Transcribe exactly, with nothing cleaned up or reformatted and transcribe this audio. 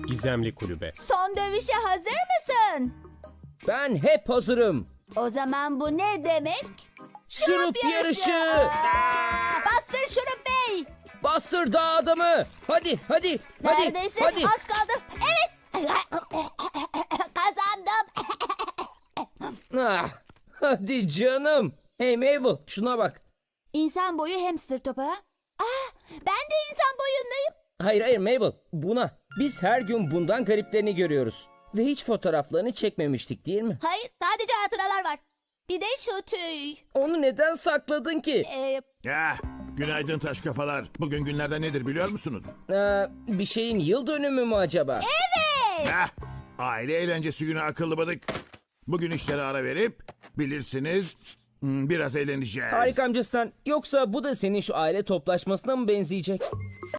Gizemli Kulübe. Son dövüşe hazır mısın? Ben hep hazırım. O zaman bu ne demek? Şurup yarışı. Aa, bastır Şurup Bey. Bastır dağ adamı. Hadi hadi hadi. Neredeyse hadi. az kaldı. Evet. Kazandım. Ah, hadi canım. Hey Mabel şuna bak. İnsan boyu hamster topu ha? Aa, ben de insan boyundayım. Hayır hayır Mabel buna. Biz her gün bundan gariplerini görüyoruz. Ve hiç fotoğraflarını çekmemiştik değil mi? Hayır, sadece hatıralar var. Bir de şu tüy. Onu neden sakladın ki? Ee, Ya, günaydın taş kafalar. Bugün günlerden nedir biliyor musunuz? Ee, bir şeyin yıl dönümü mü acaba? Heh, aile eğlencesi günü akıllı bıdık. Bugün işlere ara verip bilirsiniz hmm, biraz eğleneceğiz. Harika amcasından. Yoksa bu da senin şu aile toplaşmasına mı benzeyecek?